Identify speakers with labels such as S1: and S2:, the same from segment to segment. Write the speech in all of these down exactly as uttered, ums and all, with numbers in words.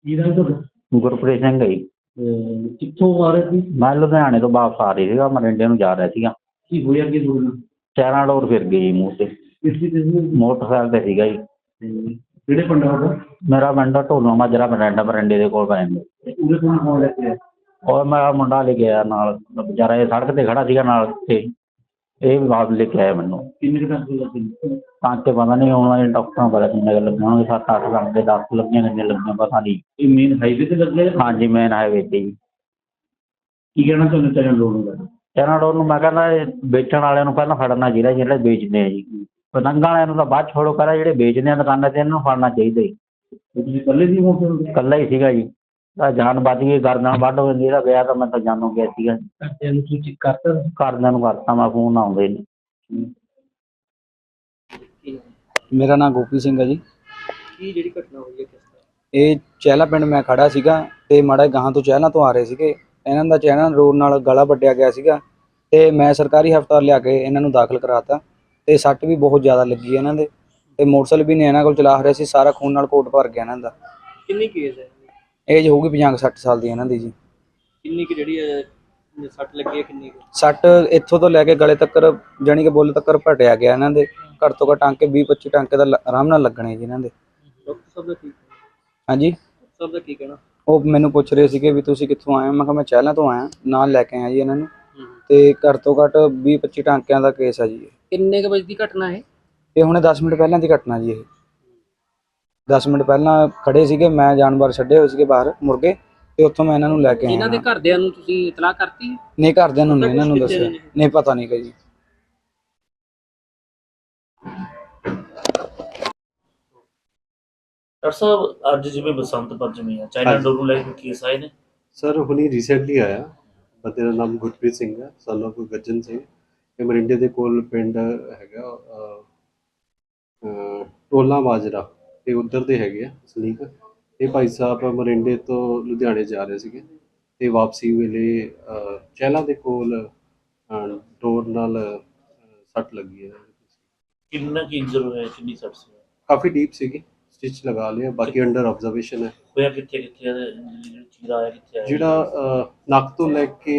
S1: ਕੀ ਨਾਮ ਤੁਹਾਡਾ?
S2: ਗੁਰਪ੍ਰੀਤ ਸਿੰਘ ਹੈ ਜੀ।
S1: ਅਹ ਕਿੱਥੋਂ ਆ ਰਹੇ ਸੀ?
S2: ਮੈਂ ਲੁਧਿਆਣੇ ਤੋਂ ਵਾਪਸ ਆ ਰਹੀ ਸੀਗਾ, ਮਰਿੰਡੇ ਨੂੰ ਜਾ ਰਿਹਾ ਸੀਗਾ।
S1: ਕੀ ਹੋਇਆ ਕੀ ਤੁਹਾਡੇ ਨਾਲ?
S2: ਚਾਰਾਂ ਡੋਰ ਫਿਰ ਗਈ ਜੀ ਮੂੰਹ ਤੇ।
S1: ਕਿਸ ਚੀਜ਼ ਦੇ ਸੀ?
S2: ਮੋਟਰਸਾਈਕਲ ਤੇ ਸੀਗਾ ਜੀ।
S1: ਤੇ ਕਿਹੜੇ ਪਿੰਡ ਆ ਤੁਹਾਡਾ?
S2: ਮੇਰਾ ਪਿੰਡ ਢੋਲੋ ਮਾਜਰਾ, ਮਰਿੰਡਾ ਮਰਿੰਡੇ ਦੇ ਕੋਲ ਪੈਂਦਾ।
S1: ਤੇ ਉਰੇ ਤੋਂ ਕੌਣ ਲੈ ਕੇ ਆਇਆ?
S2: ਔਰ ਮੇਰਾ ਮੁੰਡਾ ਲੈ ਕੇ ਆਇਆ ਨਾਲ, ਵਿਚਾਰਾ ਇਹ ਸੜਕ ਤੇ ਖੜਾ ਸੀਗਾ ਨਾਲ ਤੇ ਇਹ ਵੀ ਵਾਪਸ ਲੈ ਕੇ ਆਇਆ ਮੈਨੂੰ।
S1: ਕਿੰਨੇ ਕੁ ਟਾਂਕੇ ਲੱਗੇ?
S2: ਟਾਂਕੇ ਪਤਾ ਨਹੀਂ ਹੁਣ ਡਾਕਟਰਾਂ ਪਤਾ ਕਿੰਨੇ ਕੁ ਲੱਗੇ ਹੋਣਗੇ, ਸੱਤ ਅੱਠ ਟਾਂਕੇ, ਦਸ ਲੱਗੀਆਂ ਕਿੰਨੇ ਲੱਗੀਆਂ ਪਤਾ ਨਹੀਂ।
S1: ਇਹ ਮੇਨ ਹਾਈਵੇ ਤੇ ਲੱਗੇ?
S2: ਹਾਂਜੀ ਮੇਨ ਹਾਈਵੇ ਤੇ ਜੀ।
S1: ਕੀ ਕਹਿਣਾ ਚਾਹੁੰਦੇ ਚਾਰਾਂ ਲੋੜ ਨੂੰ?
S2: ਚਾਰਾਂ ਡੋਰ ਨੂੰ ਮੈਂ ਕਹਿੰਦਾ ਇਹ ਵੇਚਣ ਵਾਲਿਆਂ ਨੂੰ ਪਹਿਲਾਂ ਫੜਨਾ ਚਾਹੀਦਾ, ਜਿਹੜੇ ਵੇਚਦੇ ਆ ਜੀ। ਪਤੰਗਾਂ ਵਾਲਿਆਂ ਨੂੰ ਤਾਂ ਬਾਅਦ ਛੋੜੋ, ਕਰਾ ਜਿਹੜੇ ਵੇਚਦੇ ਆ ਦੁਕਾਨਾਂ ਤੇ ਇਹਨਾਂ ਨੂੰ ਫੜਨਾ ਚਾਹੀਦਾ ਜੀ।
S1: ਤੁਸੀਂ ਇਕੱਲੇ ਸੀ ਮੋਟਰ?
S2: ਇਕੱਲਾ ਹੀ ਸੀਗਾ ਜੀ। ਤਾਂ ਜਾਨ ਬਚ ਗਈ, ਗਰਦਨ ਵੱਢ ਹੋ ਜਾਂਦੀ, ਇਹਦਾ ਵਿਆਹ ਤਾਂ ਮੈਂ ਤਾਂ ਜਾਨੋਂ ਗਿਆ ਸੀਗਾ।
S1: ਘਰਦਿਆਂ ਨੂੰ ਸੂਚਿਤ ਕਰਤਾ?
S2: ਘਰਦਿਆਂ ਨੂੰ ਕਰਤਾ ਮੈਂ ਫੋਨ, ਆਉਂਦੇ ਨੇ।
S3: ਮੇਰਾ ਨਾਮ ਗੋਪੀ ਸਿੰਘ ਹੈ ਜੀ।
S1: ਕੀ ਜਿਹੜੀ ਘਟਨਾ ਹੋਈ ਹੈ ਕਿਸ ਤਰ੍ਹਾਂ?
S3: ਇਹ ਚਹਿਲਾ ਪਿੰਡ ਮੈਂ ਖੜਾ ਸੀਗਾ ਤੇ ਮਾੜਾ ਗਾਹਾਂ ਤੋਂ ਚਹਿਲਾਂ ਤੋਂ ਆ ਰਹੇ ਸੀਗੇ। ਇਹਨਾਂ ਦਾ ਚਹਿਲਾਂ ਰੋਡ ਨਾਲ ਗਲਾ ਵੱਢਿਆ ਗਿਆ ਸੀਗਾ ਤੇ ਮੈਂ ਸਰਕਾਰੀ ਹਸਪਤਾਲ ਲਿਆ ਕੇ ਇਹਨਾਂ ਨੂੰ ਦਾਖਲ ਕਰਾਤਾ ਤੇ ਸੱਟ ਵੀ ਬਹੁਤ ਜ਼ਿਆਦਾ ਲੱਗੀ ਇਹਨਾਂ ਦੇ ਤੇ ਮੋਟਰਸਾਈਕਲ ਵੀ ਨਹੀਂ ਇਹਨਾਂ ਕੋਲ ਚਲਾ ਰਿਹਾ ਸੀ, ਸਾਰਾ ਖੂਨ ਨਾਲ ਕੋਟ ਭਰ ਗਿਆ ਇਹਨਾਂ ਦਾ।
S1: ਕਿੰਨੀ ਕੇਸ ਹੈ?
S3: ਏਜ ਹੋਊਗੀ ਪੰਜਾਹ ਸੱਠ ਸਾਲ ਦੀ ਇਹਨਾਂ ਦੀ ਜੀ।
S1: ਕਿੰਨੀ ਕਿ ਜਿਹੜੀ ਹੈ ਸੱਟ ਲੱਗੀ ਹੈ? ਕਿੰਨੀ ਕੁ?
S3: ਸੱਟ ਇੱਥੋਂ ਤੋਂ ਲੈ ਕੇ ਗਲੇ ਤੱਕ, ਜਾਣੀ ਕਿ ਬੁੱਲ ਤੱਕ ਭਟਿਆ ਗਿਆ ਇਹਨਾਂ ਦੇ। ਘੱਟ ਤੋਂ ਘੱਟ ਟਾਂਕੇ ਵੀਹ ਪੱਚੀ ਟਾਂਕੇ ਦਾ ਆਰਾਮ ਨਾਲ ਲੱਗਣੇ ਜੀ ਇਹਨਾਂ ਦੇ।
S1: ਡਾਕਟਰ ਸਾਹਿਬ ਦਾ ਕੀ
S3: ਹਾਂਜੀ,
S1: ਡਾਕਟਰ ਸਾਹਿਬ ਦਾ ਕੀ ਕਹਿਣਾ?
S3: ਉਹ ਮੈਨੂੰ ਪੁੱਛ ਰਹੇ ਸੀਗੇ ਵੀ ਤੁਸੀਂ ਕਿੱਥੋਂ ਆਏ ਹੋ। ਮੈਂ ਕਿਹਾ ਮੈਂ ਚਹਿਲਾਂ ਤੋਂ ਆਇਆ, ਨਾਲ ਲੈ ਕੇ ਆਇਆ ਜੀ ਇਹਨਾਂ ਨੂੰ। ਤੇ ਘੱਟ ਤੋਂ ਘੱਟ ਵੀਹ ਪੱਚੀ ਟਾਂਕਿਆਂ ਦਾ ਕੇਸ ਆ ਜੀ।
S1: ਕਿੰਨੇ ਕੁ ਵਜੇ ਦੀ ਘਟਨਾ ਹੈ
S3: ਇਹ ਹੁਣੇ ਦਸ ਮਿੰਟ ਪਹਿਲਾਂ ਦੀ ਘਟਨਾ ਜੀ। ਇਹ ਦਸ ਮਿੰਟ ਪਹਿਲਾਂ ਖੜੇ ਸੀਗੇ, ਮੈਂ ਜਾਨਵਰ ਛੱਡੇ ਹੋਏ ਸੀਗੇ ਬਾਹਰ ਮੁਰਗੇ, ਤੇ ਉੱਥੋਂ ਮੈਂ ਇਹਨਾਂ ਨੂੰ ਲੈ ਕੇ ਆਇਆ।
S1: ਇਹਨਾਂ ਦੇ ਘਰਦਿਆਂ ਨੂੰ ਤੁਸੀਂ ਇਤਲਾਹ ਕਰਤੀ?
S3: ਨਹੀਂ, ਘਰਦਿਆਂ ਨੂੰ ਨਹੀਂ ਇਹਨਾਂ ਨੂੰ ਦੱਸਿਆ, ਨਹੀਂ ਪਤਾ ਨਹੀਂ ਜੀ।
S4: ਡਾਕਟਰ ਸਾਹਿਬ ਅੱਜ ਜਿਵੇਂ ਬਸੰਤ ਪੰਚਮੀ ਆ, ਚਾਈਨਾ ਡੋਰ ਨੂੰ ਲੈ ਕੇ ਕੇਸ ਆਏ ਨੇ?
S5: ਸਰ ਹੁਣੀ ਰੀਸੈਂਟਲੀ ਆਇਆ। ਬੰਦੇ ਦਾ ਨਾਮ ਗੁਰਪ੍ਰੀਤ ਸਿੰਘ ਹੈ, ਸਨ ਆਫ ਗੱਜਨ ਸਿੰਘ। ਇਹ ਮਰਿੰਡੇ ਦੇ ਕੋਲ ਪਿੰਡ ਹੈਗਾ ਟੋਲਾ ਮਾਜਰਾ, ਇਹ ਉੱਧਰ ਦੇ ਹੈਗੇ ਆ ਸਲੀਕ। ਇਹ ਭਾਈ ਸਾਹਿਬ ਮਰਿੰਡੇ ਤੋਂ ਲੁਧਿਆਣੇ ਜਾ ਰਹੇ ਸੀਗੇ ਤੇ ਵਾਪਸੀ ਵੇਲੇ ਚਹਿਲਾਂ ਦੇ ਕੋਲ ਡੋਰ ਨਾਲ ਸੱਟ ਲੱਗੀ ਹੈ।
S4: ਕਿੰਨਾ ਕੀ ਇੰਜਰ ਹੋਇਆ, ਕਿੰਨੀ ਸੱਟ ਸੀ?
S5: ਕਾਫੀ ਡੀਪ ਸੀਗੀ, ਸਟਿਚ ਲਗਾ ਲਿਆ, ਬਾਕੀ ਅੰਡਰ ਆਬਜ਼ਰਵੇਸ਼ਨ ਹੈ।
S4: ਹੋਇਆ ਕਿੱਥੇ ਕਿੱਥੇ ਆ? ਜਿਹੜਾ ਚੀਰਾ ਆਇਆ ਕਿੱਥੇ ਆਇਆ?
S5: ਜਿਹੜਾ ਨੱਕ ਤੋਂ ਲੈ ਕੇ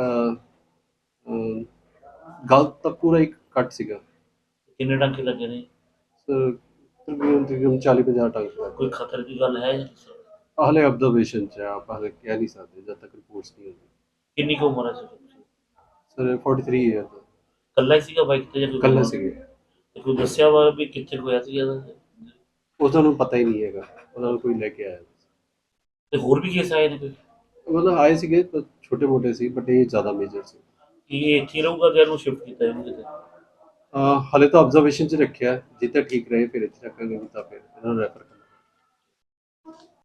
S5: ਗਲ ਤੱਕ ਪੂਰਾ ਇੱਕ ਕੱਟ ਸੀਗਾ।
S4: ਕਿੰਨੇ ਟਾਂਕੇ ਲੱਗੇ ਨੇ?
S5: ਸਰ ਤਕਰੀਬਨ ਤਕਰੀਬਨ ਚਾਲੀ ਪੰਜਾਹ ਟਾਂਕੇ।
S4: ਕੋਈ ਖਤਰ ਦੀ ਗੱਲ ਹੈ?
S5: ਹਾਲੇ ਆਬਜ਼ਰਵੇਸ਼ਨ 'ਚ ਆ, ਆਪਾਂ ਹਾਲੇ ਕਹਿ ਨਹੀਂ ਸਕਦੇ ਜਦ ਤੱਕ ਰਿਪੋਰਟਸ ਨਹੀਂ ਹੁੰਦੀ।
S4: ਕਿੰਨੀ ਕੁ ਉਮਰ ਹੈ sir?
S5: Sir forty three year ਦਾ।
S4: ਇਕੱਲਾ ਹੀ ਸੀਗਾ ਬਾਈਕ ਤੇ ਜਾਂ ਕੋਈ?
S5: ਇਕੱਲਾ ਸੀਗੇ।
S4: ਤੇ ਕੋਈ ਦੱਸਿਆ ਵਾ ਵੀ ਕਿੱਥੇ ਹੋਇਆ ਸੀ ਇਹਦਾ?
S5: ਉਹਨਾਂ ਨੂੰ ਪਤਾ ਹੀ ਨਹੀਂ ਹੈਗਾ, ਉਹਨਾਂ ਨੂੰ ਕੋਈ ਲੈ ਕੇ ਆਇਆ।
S4: ਤੇ ਹੋਰ ਵੀ ਕੇਸ ਆਏ ਨੇ ਕੋਈ?
S5: ਮਤਲਬ ਆਏ ਸੀਗੇ ਛੋਟੇ ਮੋਟੇ ਸੀ, ਬਟ ਇਹ ਜ਼ਿਆਦਾ ਮੇਜਰ ਸੀ।
S4: ਕੀ ਇਹ ਇੱਥੇ ਰਹੂਗਾ ਜਾਂ ਇਹਨੂੰ ਸ਼ਿਫਟ ਕੀਤਾ ਇਹਨੂੰ ਕਿਤੇ?
S5: ਹਾਲੇ ਤਾਂ ਆਬਜ਼ਰਵੇਸ਼ਨ 'ਚ ਰੱਖਿਆ, ਜਿੱਥੇ ਠੀਕ ਰਹੇ ਫਿਰ ਇੱਥੇ ਰੱਖਾਂਗੇ, ਨਹੀਂ ਤਾਂ ਫਿਰ ਇਹਨਾਂ ਨੂੰ ਰੈਫਰ